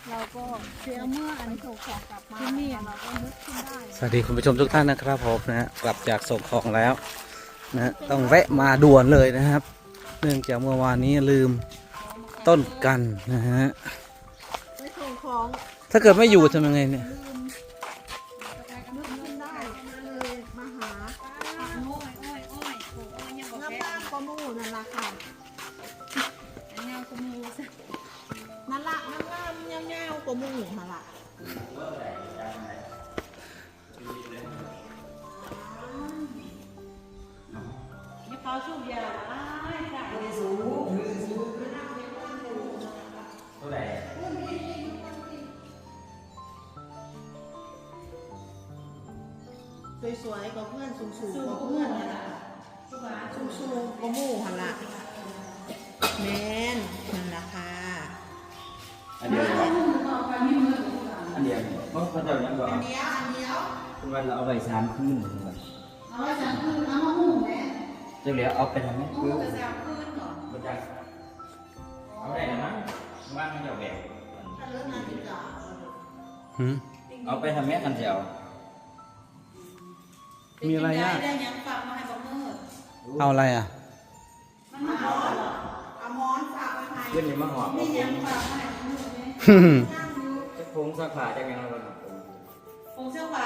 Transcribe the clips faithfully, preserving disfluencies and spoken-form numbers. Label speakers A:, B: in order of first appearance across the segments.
A: เราก็เสียเมื่ออันส่งของกลับมาที่นี่เราก็นึกขึ้นได้
B: สวัสดีคุณผู้ชมทุกท่านนะครับผมนะฮะกลับจากส่งของแล้วนะฮะต้องแวะมาด่วนเลยนะครับ เนื่องจากเมื่อวานนี้ลืมต้นกันนะฮะ
A: ไปส่งของ
B: ถ้าเกิดไม่อยู่ทำยังไงเนี่ย
A: ลืมนึกขึ้นได้เลยมาหา
C: โอ้ยโอ้ยโอ้ยโอ้ยโอ้ยยังบอก
A: น้ำ
C: แพ้
A: ตาลก็มู่นั่นละค่ะ
C: อันเงาขมูซะ
A: นั่นละน้ำงามเงี้ยวเงี้ยวก็มู่มาละ
C: อย่าเป่าสูบยาอ้ายค่ะ
A: สวยๆกับเพื่อนสูงๆกับเพื่อนนั่นละสูงๆก็มู่หันละแมนนั่นละค่ะ
D: อันเดียวอันเดียวเพราะเขาจะยังบอก
A: อันเดียวอันเดียว
D: คุณวันเราเอาไปสามคืนคุณวัน
C: เอาไว้สังคืนเอามาหุ้มแม่
D: จะเหลือเอาไปทำไหม
C: หุ้
D: คื
C: ม
D: อ
C: กับสามคืนก่อน
D: มันจะเอาได้นะมั้งว่างมันจะแบก
A: ถ้าเลิกงานดีกว่า
B: หืม
D: เอาไปทำแม่กันเดียว
B: มีอะไรอ่ะ
C: ได้ยังฝากมาให้บ่มืด
B: เอาอะไรอ่ะ
C: มันมาเอา
A: เอามอนฝากไว้ให้
D: ขึ้นนี่มาหอบ
C: นี่ยังฝากมาให้บ่มืดแม่
D: จะโค้งสักขาจะยังไงเรา
C: คงเสื้อผ้า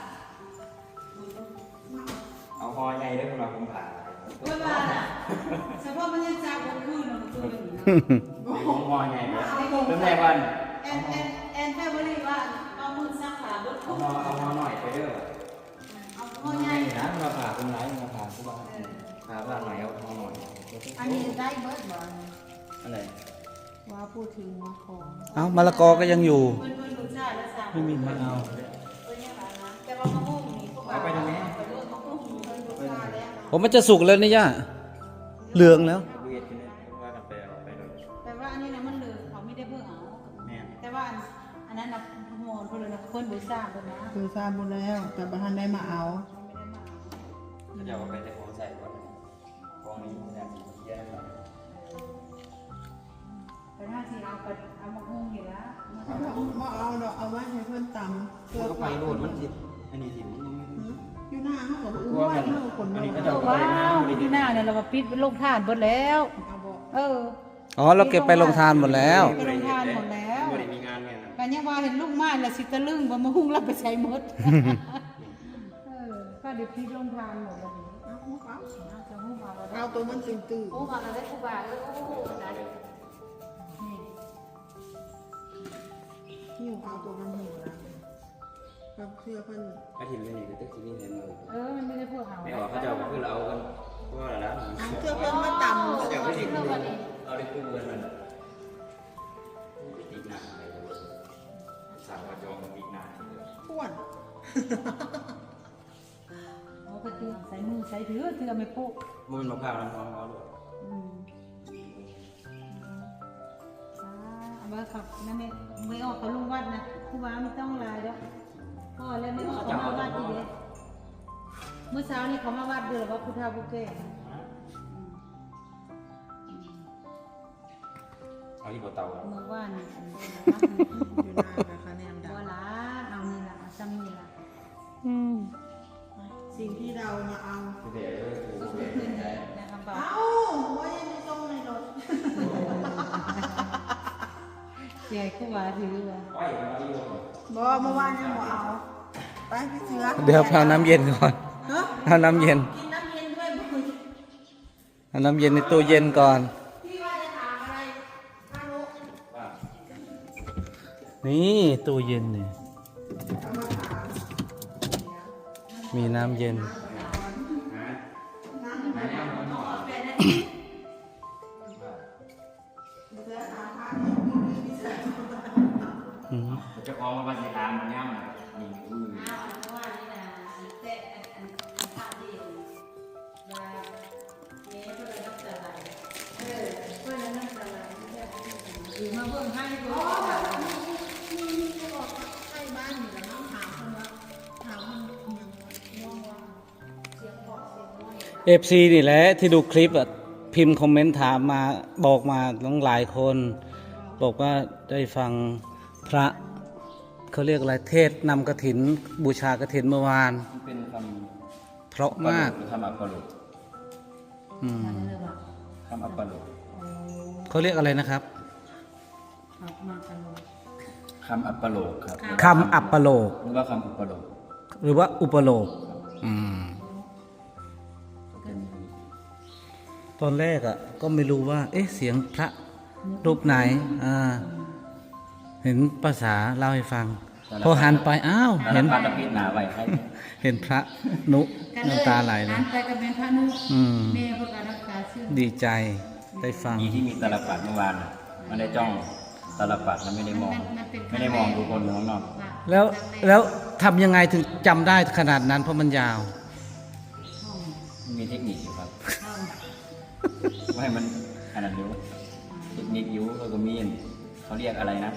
D: เอาหอใหญ่ด้วยคุณเราผมผ่า
C: โอ้ยบ้าน่ะเฉพาะมันยังจับบนคืนเนาะมันคืนอยู่นะ
D: มีผมหอใหญ่ไหมเริ่มแรกวัน
C: แอนแอนแอนแฟมิลี่ว่าเอามือซักขาเบิด
D: เอา
C: ทุก
D: หอเอาหอหน่อยไปเด้อ
C: เอา
D: ห
C: พ่
D: อ
C: อ
D: ให
C: ให
D: ญ่
C: ญ่
D: นะมาผ่าคุณร้ายมาผ่าคุณบ้านผ่าบ้านหน่อยเอาหอหน่อย
A: อันนี้ได้เบิร์ดบอล
D: อะไร
A: ว่าพูดถึงว่าของ
B: เอามะละกอก็ยังอยู่
C: เพิ่นเพิ่นรู้ชาติแล้วสาม
B: ไม่มีมะนาว
C: เพิ่นยังหลานนะแต่ว่ามะม่วงนี่พวก
D: เอาไปทำไม
C: ไปเลือกมะม่วงนี่เพิ่นรู้ชาติแล้ว
B: ผมมันจะสุกแล้วนี่ย่าเหลืองแล้ว
D: เวียดกันเลยว่ากันไปเอาไปเลย
C: แต่ว่าอันนี้นะมันเหลืองเขาไม่ได้เบิ่งเอา
D: แม่
C: แต่ว่าอันอันนั้นน่ะโมนเพิ่นเลยนะเพิ่นรู้ชาติเพิ่นนะ
A: คือทราบหมดแล้วแต่บ้านได้มาเอา
C: ไม่ได้มาเอา
D: ถ้าจะเอาไปแต่ของใส่ก่อนของนี้แซ่บแย่มาก
C: แต่ถ้าสิเอาไปเอามะม่วงอยู่แล้วมัน
A: เอามาเอาดอกเอาไว้ให้เพื่อนตำเพื่อ
D: ก็ไปโดดมันสิอันนี้สิมันไม่
A: อยู่หน้าเขากับ
D: ก
A: อุ้
D: ลัว
A: ม
D: กัน
A: เขาคน
D: อันนี้
A: เดี
D: ก็
A: ยว
D: จะ
C: ว้าวที่หน้าเนี่ยเรามาปิดลงทานเบิดแล้ว
A: เอาบอก
C: เออ
B: อ๋อเราเก็บไปลงทานหมดแล้ว
C: ไปลงทานหมดแล้ว
D: ไม่ได้มีงานไงนะ
C: กันยังว่าเห็นลูกไม้ละสิตะลึงบ่มาหุ้งรับไปใช้หมดเออก็เดี๋ยวพี่ลงทานหมดแล้วนี่
A: เอาเอา
C: เอาจะหุ้งเอาแล้ว
A: เอาตัวมันตื่นตื่น
C: หุ้งเอาแล้วได้ครูบาเออโอ้โหได้นี่
A: หิวเอาตัวมันหิวนะกับเสื้อเพิ่น
D: อาทิตย์นี้ก็ตึกที่นี่เห็นเลย
C: เออมันไม่ได้พวกเอา
D: ไม่ออกเขาจะเอาคือเราเอากันก็อะไรนะ
A: เอาเสื้อเพิ่นมาตำ
D: เขาจะไม่ได้คือเอาได้คือเงินมันติดหนักอะไรเลยสาวจองติดหนัก
A: พ่วน
C: เอาก็เตือนใส่มือใส่ถือเตือไม่โป๊ะ
D: มันมะพร้าวน้ำหอมเอาด้วย
C: อืมอ่าเอาไว้ขับนั่นเองไม่ออกเขาลุงวัดนะครูบาไม่ต้องลายแล้วพ่อแล้วไม่ออกเขามาวัดอีกเลยเมื่อเช้านี้เขามาวัดเดือดว่าพุทธาบุเก้
D: เอาที่บนเตา
C: เมื่อวานนี่อันนี้นะ
A: อยู่หน้านะคะแนมดา
C: บัวล้านเอานี่ละเอาซ้ำนี่ละ
B: อืม
A: สิ่งที่เรามาเอา
D: เดี๋ยว
C: ก็คือขึ้นในคำบอก
A: เอาไว้ในตรงในรถ
C: ใหญ่ครูบาถือว่า
D: ไปมาอยู่
A: บ่เมื่อวานยังบ่เอา ไปพี่เสือ
B: เดี๋ยวเอาน้ำเย็นก่อน
A: ฮะ
B: เอาน้ำเย็น
A: กินน้ำเย็นด้วยบุญ
B: เอาน้ำเย็นในตู้เย็นก่อน
A: พี่ว่าจะถามอะไรฮัลโหล
D: ว่า
B: นี่ตู้เย็นนี่
A: เอามาถาม
B: มีน้ำเย็น
D: ฮะ
A: น้ำ
D: ไหนเอาหน่อย
A: เสือถามพระ
B: อืม
D: จะออกมาบันทึกตามมันย่ำนี่อือ
C: อ้าวเพราะว่านี่นะแต่อันอันภาพที่ว่าเมย์เพื่อนน้ำตาไหลเออเพื่อนน้ำตาไหลหรือมาเบิ่งให้ดู
A: นี่นี่ก็บอกใกล้บ้านนี่แหละน้องถามคนว่าถามมันยังมองว่าเสียงเพราะเสียงน้อย
B: เอฟซีนี่แหละที่ดูคลิปอ่ะพิมพ์คอมเมนต์ถามมาบอกมาต้องหลายคน บอกว่าได้ฟังพระเขาเรียกอะไรเทศนำกฐินบูชากฐินเมื่อวาน
D: มันเป็นค
B: เพราะ
D: ำ
B: มาก
D: คำอัปปะโลก
B: อืม
C: อะไรเลยว่ะ
D: คำอัปปะโลก
C: โอ้
B: เขาเรียกอะไรนะครับ
C: ขับมากันเลย
D: คำอัปปะโลกครับ
B: คำอัปปโลก
D: หรือว่าคำอุปโลก
B: หรือว่าอุปโลกอืม
D: เป็น
B: ตอนแรกอ่ะก็ไม่รู้ว่า เอ๊ะเสียงพระรูปไหนอ่าเห็นภาษาเล่าให้ฟัง พอหันไปอ้าว
D: เห็
B: เห็
D: น
B: น
D: พันธพิษหนาไว้ให้
B: เห็นพระนุน้ำตาไหลเล
C: หั
B: ย
C: นไปกับเป็นพระนุ
B: อืม
C: แม่พวกการรักษาชื่อ
B: ดีใจได้ฟัง
D: อีที่มีตาลปัดเมื่อวานน่ะมันได้จ้องตาลปัดมันไม่ได้มอง ไม่ได้มองดูคนอยู่ข้างนอก
B: แล้วแล้วทำยังไงถึงจำได้ขนาดนั้นเพราะมันยาว
C: ห้อง
D: มันมีเทคนิคอยู่ครับ
C: ห้อง
D: ไม่ให้มันขนาดนี้เทคนิคอยู่เขาก็มีเขาเรียกอะไรนะ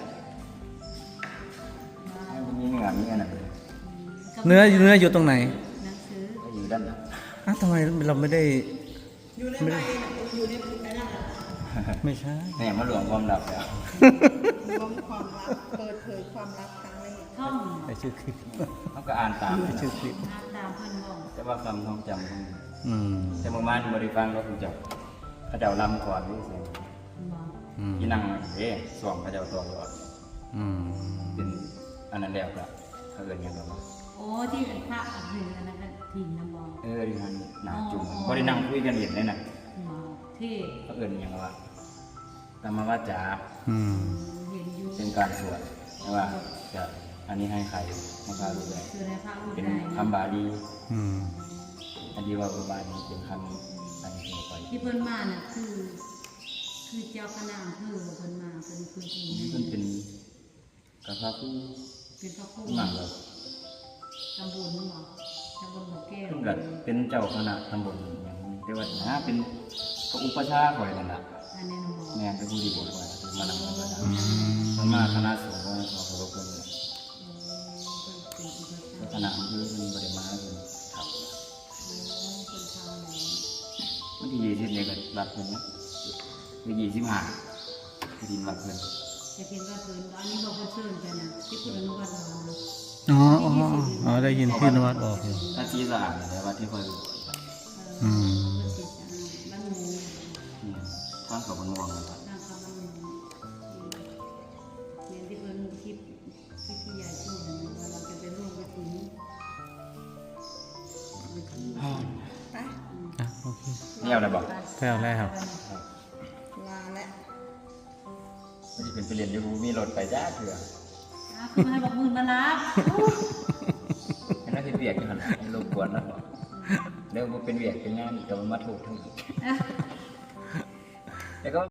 D: ให้มันมีเนื้อมีอะไร
B: เนื้อเนื้ออยู่ตรงไหน
C: หนังสือ
D: ก็อยู่ด้านหลัง
B: อ้าวทำไมเราไม่ได้
A: อยู่ในใบอยู่ในไอ้นั่นแหละ
B: ไม่ใช่
D: แม่มาหลวงความลับแล้ว
A: รวมความลับเปิดเผยความลับครั้งแรก
C: ท่อง
B: ไอชื่อคลิป
D: เขาก็อ่านตาม
B: ไอชื่อคลิป
C: นักตามเพื่อนบอก
D: แต่ว่าคำท่องจำเขามี
B: อืม
D: แต่เมื่อวานบริฟังก็คงจะเขาเจ้าลำก่อนนี่เสียง
C: บอก
B: อืม
D: ที่นั่งเอ๊ะสวงเขาเจ้าตัวก่อน
B: อืม
D: เป็นอันนั้นแล้วก็เขาเอินกันว่า
C: โอ้ที่เป็นพระหรืออะไรกันถิ่นนะบอก
D: เออที่มันหนาจุ่มก็ได้นั่งคุยกันเห็นเลยนะ
C: บอกเท่
D: เขาเอินอย่างว่าธรรมวาจา
B: อืม
C: เห็นอยู่
D: เป็นการสวดแต่ว่าจะอันนี้ให้ใครให้พระรู้ได้
C: คือในพระอุ
D: เป็น
C: ทัย
D: คำบาลี
B: อืม
D: อันที่ว่าบาลีเป็นคำอันนี้ไป
C: ที่เพิ่นมาน่ะคือ คือเจ้าคณะอำเภอเพิ่นมาเป็นคนที่
D: มันเป็นกระพาผู้
C: เป็นพระครู
D: หนังแบบ
C: ตำบลนี่บอกตำบลบ่อแก้ว
D: เพิ่งกับเป็นเจ้าคณะตำบลอย่างนี้แต่ว่านะเป็นพระอุปชฌาย์คอยนั่นแหละ
C: อันนี้นะบอก
D: แม่เป็นผู้ดีบทไว้คือมานำกันมา
B: อืม
D: ส่วนมากคณะสงฆ์ก็ขอเคารพกันเลย
C: เออเพิ่นเป็นอุป
D: แล้วค
C: ชา
D: ณะอำเภอเป็นบริมาเป็นขับ
C: โอ้เพิ่นทำแล้ว
D: วันที่ยี่สิบเนี่ยก็รัดเพิ่นนะคือยี่สิบห้าที่ดินรัดเพิ่น
C: จะเห็นว่าเพิ่นอันนี้บอกเพิ่นเชิญกันนะที่คุณอนุวัฒน์บอกนะ
B: อ๋ออ๋ออ๋อได้ยินพี่นวัดบอกอยู่
D: ถ้าชี้สะอาดแต่ว่าที่คอยดู
C: เออ
B: อืม
C: เพิ่นสิจะบ้านหมู
D: นี่ท่านกับมันม่วงนะครับ
C: ทางคำบ้านหมูเรียนที่เพิ่นคลิปที่พี่ใหญ่พูดนะว่าเราจะไปร่วมกฐิน
A: ไป
B: อ่ะโอเค
D: เนี่ยอะไรบอก
B: แถวแล้ว
A: ลาและ
D: มันจะเป็นไปเรียนอยูมีรถไปจ้าเถื่อ
C: อ่ะคือให้บอกมือมารับ
D: ให้นักที่เบียกอยู่หันให้รบกวนนะเดี๋ยวมันเป็นเบียกเป็นงานอีกแต่มันมาถูกทั้งอีกแล้วก็